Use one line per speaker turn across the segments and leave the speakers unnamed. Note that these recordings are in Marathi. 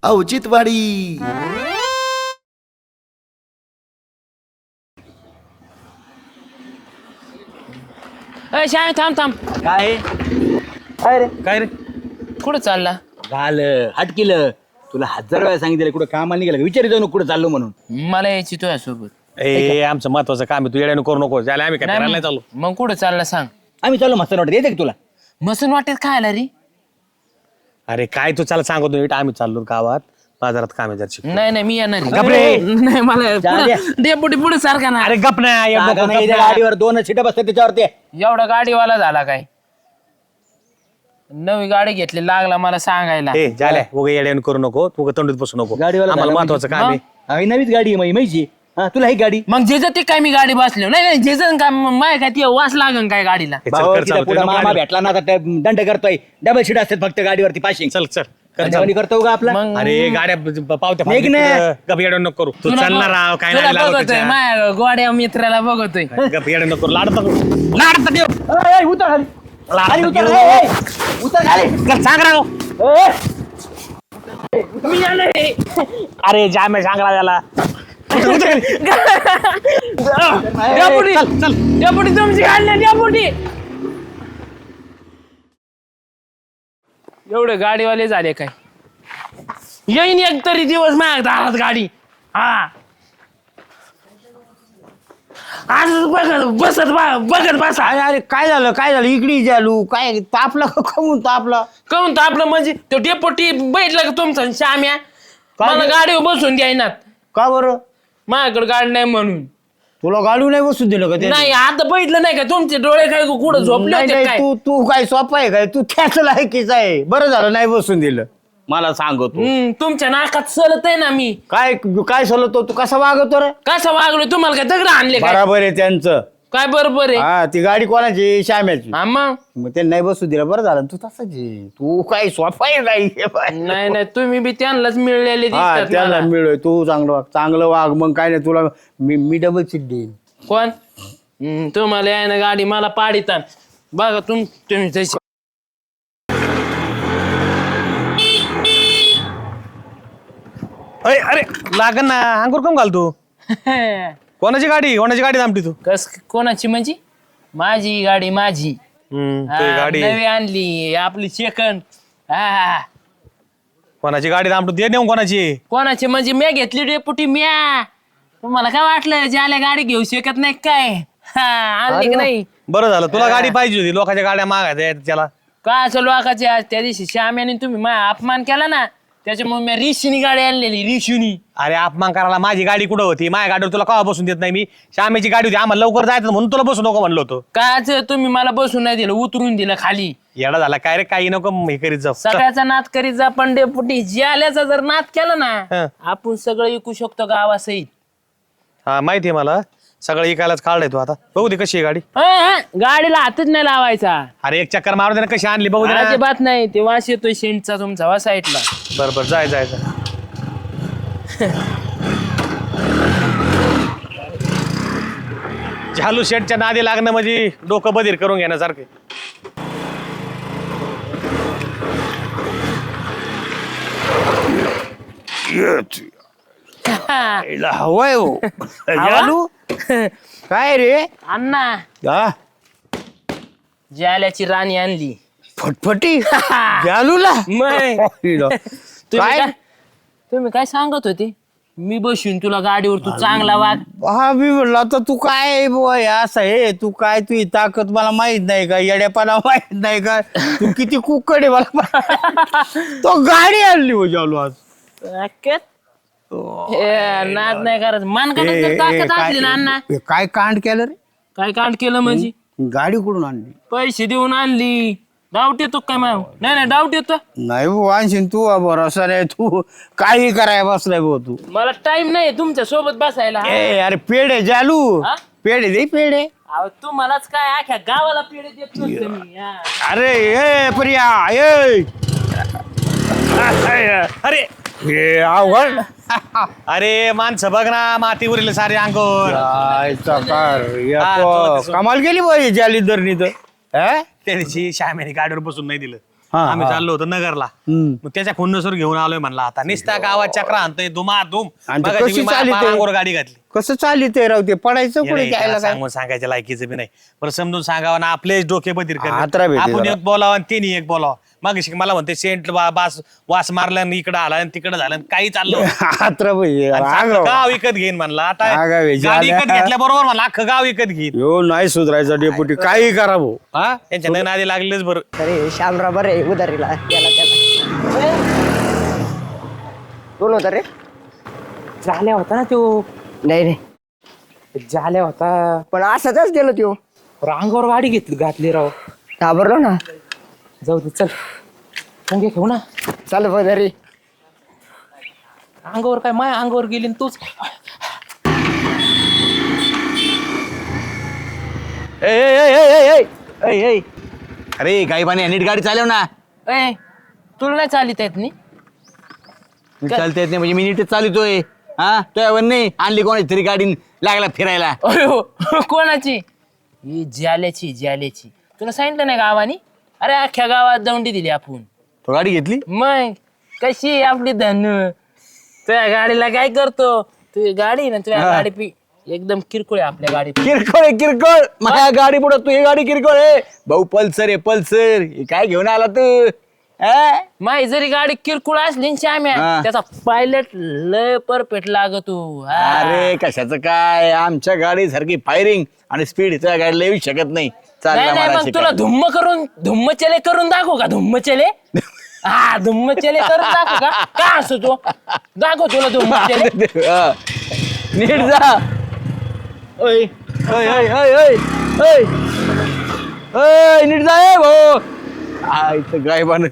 औचित्यवाडी.
श्याम थांब थांब.
काय काय रे काय रे
कुठं चालला?
झालं हटकिलं तुला 1000 वेळा सांगितलं कुठं कामाला निघालं विचार जाऊ कुठं चाललो म्हणून.
मला यायची तुझ्या सोबत.
ए आमचं महत्वाचं काम आहे तू येड्यानं करू नको झालं आम्ही काय करायला नाही चाललो.
मग कुठं चालला सांग.
आम्ही चाललो मस्त वाटत येते का तुला.
मसून वाटेत खायला रे.
अरे काय तू चाल सांगतो नीट आम्ही चाललो गावात बाजारात काम आहे जरशी.
नाही नाही मी येणार
गप रे.
नाही मला डेपुटी पुढे सारखा ना.
अरे गप नाही
जागा नाही, त्या गाडीवर 2 सीटा बसतात त्याच्यावरती.
एवढा गाडीवाला झाला काय? नवी गाडी घेतली लागला मला सांगायला.
ए झाल्या उगा येड्यानं करू नको तू तंडूत बसू नको
गाडीवाला
आम्हाला
झाला
महत्वाचं काम आहे.
आम्ही नवीच गाडी आहे माहिती. हा तुला ही गाडी
मग जेज ते काय मी गाडी बसलो नाही नाही जेज काय माय काय ती वास लागन काय गाडीला.
ए, चल,
भाऊ,
कर
तिला
चालू,
पुढं
तुला
मामा
गाडी.
भेटला ना आता दंड करतोय. डबल सीट असतात फक्त गाडीवरती पाशिंग.
चल चल कर चालू.
करतो का आपला.
मग
अरे गाड्या पावत्या
निघ ना.
गप येड्यानं नको करू तू
तुला
चालणार राव काय
तुला
नाही लागत
बघतोय
त्याच्या.
माझ्या गोड्या मित्राला बघतोय.
गप येड्यानं नको लाडत नको लाडत देव
ए, ए, उतर खाली. खाली
लाडत
उतर.
देव.
ए, ए, उतर खाली.
चल, सांग राव.
ए,
मी आलोय.
अरे जामे सांगला त्याला
डेपुटी डेपुटी तुमची गाडी नाही डेपुटी. एवढे गाडीवाले झाले काय? येईन एक तरी दिवस माझ्या दारात गाडी. हा आज बघत बसा.
अरे काय झालं इकडे चालू काय तापला का कमून तापला.
काहून तर आपलं म्हणजे तो डेपुटी बैठला का तुमचा श्याम्या मला गाडीवर बसून द्यायनात.
का बरं
माझ्याकडे गाडी नाही म्हणून.
तुला गाडू नाही बसून दिलं का ते.
नाही आता बैठलं नाही का तुमचे डोळे काय कुठं झोपले
नाही,
होते
नाही,
काय?
तू काय सोपा आहे काय तू त्याच लायकीच आहे. बरं झालं नाही बसून दिलं मला सांगतो.
तुमच्या नाकात सलत आहे ना मी.
काय काय सलतो तू कसा वागतो रे.
कसं वागलो तुम्हाला काय दगड आणले काय?
बराबर आहे त्यांचं.
काय बरोबर आहे?
हा ती गाडी कोणाची श्याम्याची.
हा मग
ते नाही बसू दिलं बरं झालं. तू तसंच आहे. तू काय सोपा आहे काय.
नाही नाही तुम्ही बी त्यांनाच मिळलेले
हा
दिसतात
त्याला
मला.
मिळोय तू चांगलं वाग मग काय नाही तुला मी डबल सीट देईन.
कोण? तुम्हाला आहे ना गाडी मला पाडितान बघा तुम्ही तशी.
अरे लागन ना अंकुर कम घाल तू कोणाची गाडी थांबती तू.
कस कोणाची म्हणजे? माझी गाडी माझी.
ते
हा,
गाडी
नवी आणली आपली सेकंड. हा
कोणाची गाडी थांबतो ते नेऊन कोणाची.
कोणाची म्हणजे मी घेतली डेपुटी म्या. तुम्हाला काय वाटलं ज्याला गाडी घेऊ शकत नाही काय? हा आणली की नाही?
बरं झालं तुला गाडी पाहिजे होती लोकांच्या गाड्या मागायच्या त्याला.
काय असं लोकांचे आज त्या दिवशी श्याम्याने तुम्ही माझा अपमान केला ना त्याच्यामुळे मी रिशीनी गाडी आणलेली रिशूनी.
अरे अपमान करायला माझी गाडी कुठं होती माझ्या गाडीवर तुला कवा बसून देत नाही मी. श्यामेची गाडी होती आम्हाला लवकर जायचं म्हणून तुला बसू नको म्हणलो होतो.
काच तुम्ही मला बसून नाही दिलं उतरून दिलं खाली.
येडा झाला काय रे काही नको हे करीत जाऊ.
सगळ्याचा नाद करीत जा पण डेपुटी ज्याल्याचा जर नाद केला
हं.
ना आपण सगळं विकू शकतो गावासहित.
हा माहिती आहे मला सगळं इकायलाच काढलाय तू आता बघू दे कशी आहे गाडी.
गाडीला हातच नाही लावायचा.
अरे एक चक्कर मारू दे ना कशी आणली बघू दे ना.
अजिबात नाही ते वास येतोय शेंटचा तुमचा वा साईडला.
बरं जाय झालू शेटच्या नादी लागणं म्हणजे डोकं बधीर करून घेण्यासारखे.
हवाय हो जालू. काय रे
अण्णा
हा
ज्याल्याची राणी आणली.
फटफटी जालूला.
मग
काय
तुम्ही काय सांगत होते? मी बसून तुला गाडीवर तू चांगला वाग.
हा मी म्हणलं आता तू काय बुवा हे असं आहे तू काय तुझी ताकद मला माहित नाही का येड्यापणा माहित नाही का तू किती कुकड आहे मला तो गाडी आणली हो जालू आज.
नाद नाही करत मान ताकद असली ना अण्णा.
काय कांड केलं रे.
काय कांड केलं म्हणजे?
गाडी कुठून आणली.
पैसे देऊन आणली. डाऊट येतो काय माय? नाही डाऊट येतो.
नाही भाऊ आणशील तू भरोसा नाही तू काही कराय बसलाय भाऊ तू.
मला टाइम नाही तुमच्या सोबत बसायला.
ए अरे पेढे जालू
हा?
पेढे दे पेढे.
अहो तू मलाच काय आख्या गावाला पेढे देत नसतो मी. हा.
अरे ए प्रिया ए
अरे
हे अवघड.
अरे माणसं बघ ना माती उरले सारे अंगोर.
जायचा कार
हा,
या
तुला कसं-
कमाल केली बाई जाली धरणी तर. हा?
त्या दिवशी श्यामेने गाडीवर बसून नाही दिलं. आम्ही चाललो होतो नगरला. मग त्याच्या खुन्नसवर घेऊन आलोय म्हणला. आता निस्ता गावात चक्रा आणतोय धुमाधूम.
आणि ते
मगाशी
कशी
मी
चालते?
अंगावर गाडी घातली.
कसं चालू ते राहू ते पडायचं
हे
कुठे
नाही,
घ्यायला
त्याला
काय
सांगून सांगायच्या लायकीचं बी नाही. बरं समजून सांगावं ना आपलेच डोके बधीर
हातरा भेटे
आपण
जरा.
एक बोलावं आणि त्यांनी एक बोलावं. मग मला म्हणते सेंट वास मारला आणि इकडं आला आणि तिकडं झालं आणि काही चाललं होतं.
हात्रा भाई
आणि सारखं गाव विकत घेईन म्हणला. आता
आगाव आहे,
गाडी
झाल्या.
विकत घेतल्या बरोबर म्हणला अख्खं गाव विकत घेईन.
यो नाही सुधारायचा डेपुटी काही करा भाऊ हा
त्यांच्या नाही नादी लागलेच बरं.
अरे श्यामराव बरे उधारीला त्याला कोण होता रे?
झाल्या होता ना तो,
नाही नाही
झाल्या होता.
पण असंच गेलो त्यो
अंगावर गाडी घातली राव.
घाबरलो ना.
जाऊ दे चल, मुंगे घेऊ ना.
चाल उधारी.
अंगावर काय माय अंगावर गेली न तूच.
अरे गाईबाने नीट गाडी चालव ना.
ए तुला नाही चालित येत नी?
नीट चालता येत नाही म्हणजे मी नीटच चालतोय. हा तो नाही आणली कोणाची तरी गाडी लागला फिरायला.
अयो कोणाची? ही ज्याल्याची तुला सांगितलं नाही गावानी? अरे अख्ख्या गावात दौंडी दिली आपण.
तो गाडी घेतली.
मग कशी आहे आपली धनु? तुझ्या गाडीला काय करतो? तुझी गाडी ना तुझ्या गाडी एकदम किरकोळ आहे आपल्या गाडी.
किरकोळ आहे किरकोळ. माझ्या गाडी पुढे तू ही गाडी किरकोळ आहे भाऊ. पल्सर आहे पल्सर. हे काय घेऊन आला तू? हा?
माही जरी गाडी किरकोळ असली ना श्याम्या,
हा.
त्याचा पायलट लय परफेक्ट लागतो. हा.
अरे कशाचं काय आमच्या गाडी सारखी फायरिंग आणि स्पीड तुझ्या गाडीला येऊ शकत नाही. चालला
नाही नाही
मला
मग तुला धुम्म चले करून दाखवू का? धुम्म चले हा धुम्म चले करून दाखवू का? काय असतो तो? दाखव तुला धुम्म चले.
हा. नीट जा. ओय ओय ओय ओय ओय ओय ओय नीट जा ए भाऊ. आईचं गायबान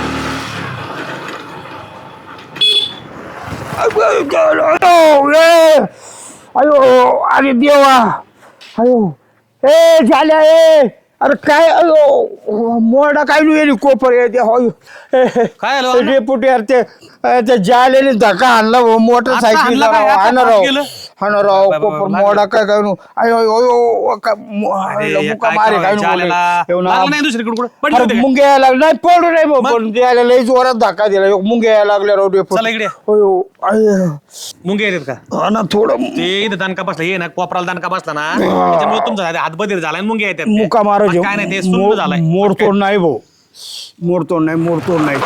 अयो अरे देवा अयो ए झाल्या ए अरे काय अयो मोडा काय नाही कोपर
काय झालं?
डेपुटी अरे ते जालेने धक्का आणला भाऊ मोटरसायकल
आणला काय? आता
हाणराव
केलं?
हाणराव कोपर मोडा काय काय नु अयो अयो
अरे,
मुका
काय
मारे काय
करावं? जालेला. लागलं नाही दुसरीकडे कुठं? पडली होती काय?
मुंगे यायला लागले नाही पडू नाही भाऊ पण द्यायला लई जोरात धक्का दिला मुंगे यायला लागले राव डेपुटी.
चला इकडे.
अयो अयो
मुंगे येतात का?
हा ना थोडं
ते इथं दणका बसला ये ना कोपराला दणका बसला ना त्याच्यामुळे तुमचा हात बधीर झाला आणि मुंगे येतात.
मुका मारो
काय नाही ते सुंद झालाय.
मोडतोड नाही भाऊ मोडतोड नाही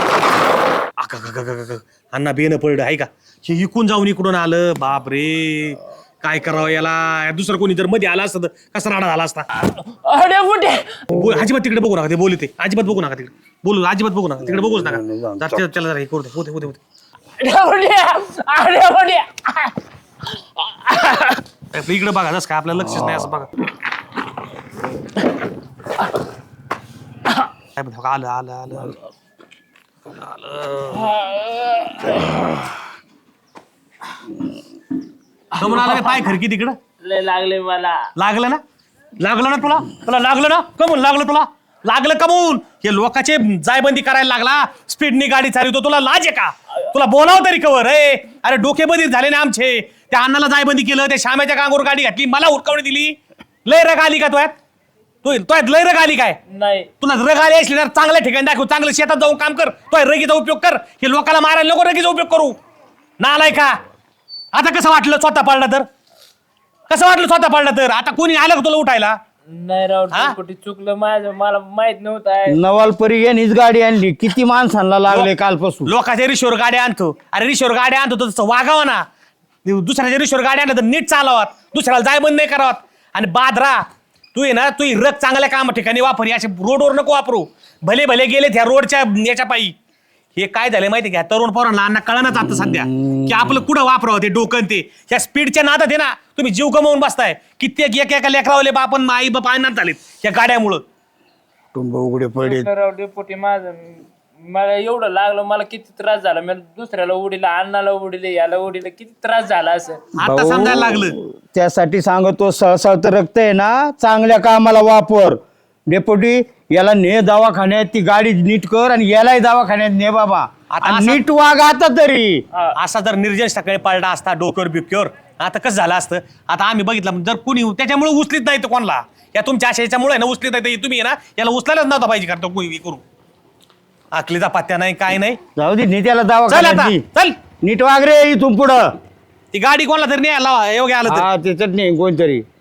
अण्णा बेन पडलं आहे का? हे इकून जाऊन इकडून आलं. बाप रे काय करावं याला? दुसरं कोणी जर मध्ये आला असतं तर कसा राडा झाला असता.
अरे कुठे?
अजिबात तिकडे बघू नका. ते बोलू ते अजिबात बघू नका तिकडे. बोलू अजिबात बघू नका तिकडे. बघूच नका. चला जरा हे करू दे. होते होते होते इकडे बघा जस काय आपलं लक्षच नाही असं बघा. काय म्हणतो? आलं आलं आलं आलं कमून आला काय? पाय खरकी तिकडं
लय लागले मला.
लागलं ना? लागलं ना तुला? तुला लागलं ना? कमून लागलं तुला? लागलं कमून? हे लोकांचे जायबंदी करायला लागला. स्पीडनी गाडी चालवतो. तुला लाज आहे का? तुला बोलावं तरी कवर? अरे डोके बधीर झाले ना आमचे. त्या अण्णाला जायबंदी केलं. त्या श्यामाच्या कांगोर गाडी घातली. मला हुडकावणी दिली. लय रग आली का तुयात? तुयात लय रग आली काय?
नाही
तुला रग आली असली ना चांगल्या ठिकाणी दाखव. चांगलं शेतात जाऊन काम कर. तो रगीचा उपयोग कर. हे लोकांना मारायला नको रगीचा उपयोग करू. नालाय का? आता कसं वाटलं स्वतः पडला तर? कसं वाटलं स्वतः पडला तर? आता कोणी आलं का तुला उठायला?
नाही राव डेपुटी चुकलं माझं. मला माहित नव्हतं.
नवालपरी यांनीच गाडी आणली. किती माणसांना लागले कालपासून.
लोकांच्या रिशोर गाड्या आणतो. अरे रिशोर गाड्या आणतो तर तसं वागावं ना. दुसऱ्याच्या रिशोर गाड्या आणलं तर नीट चालवत. दुसऱ्याला जायबंद नाही करावत. आणि बादरा तू आहे ना तू रग चांगल्या काम ठिकाणी वापर. असे रोडवर नको वापरू. भले भले गेले त्या रोडच्या याच्या पायी. हे काय झालं माहिती का? तरुण पोरांना अण्णा कळणच आता सध्या की आपलं कुठं वापरावं ते डोकं ते. ह्या स्पीडच्या नादात आहे ना तुम्ही जीव गमावून बसताय. कित्येक एका लेकरावले बापन आई बाप आणत झालेत या गाड्यामुळं.
टुंब उघडे पडे.
राव डेपुटी माझं मला एवढं लागलं. मला किती त्रास झाला. मी दुसऱ्याला उडीला, अण्णाला उडीले, याला उडीले. किती त्रास झाला असं.
आता समजायला लागलं.
त्यासाठी सांगतो सळसळत रक्त आहे ना चांगल्या कामाला वापर. डेपुटी याला ने दवाखान्यात. ती गाडी नीट कर आणि यालाही दवाखान्यात ने बाबा.
आता
आणि
असं-
नीट वाग आता तरी.
असा जर निर्जन सकाळी पडला असता डोक्यावर बिक्योर आता कसं झालं असतं? आता आम्ही बघितलं जर कोणी त्याच्यामुळे उचलीत नाही तर कोणाला या तुमच्या आशयाच्यामुळे ना उचलीत नाही तुम्ही ना याला उचलायलाच नव्हता पाहिजे करतो कोणी करू. आखलीचा पत्त्या नाही काय नाही.
जाऊ दे नी त्याला
चल
दवाखान्यात
आता
नी.
चल.
नीट वाग रे इथून पुढं.
ती गाडी कोणाला तरी नाही आला योग्य आलं तर.
हा ते चटणी कोणतरी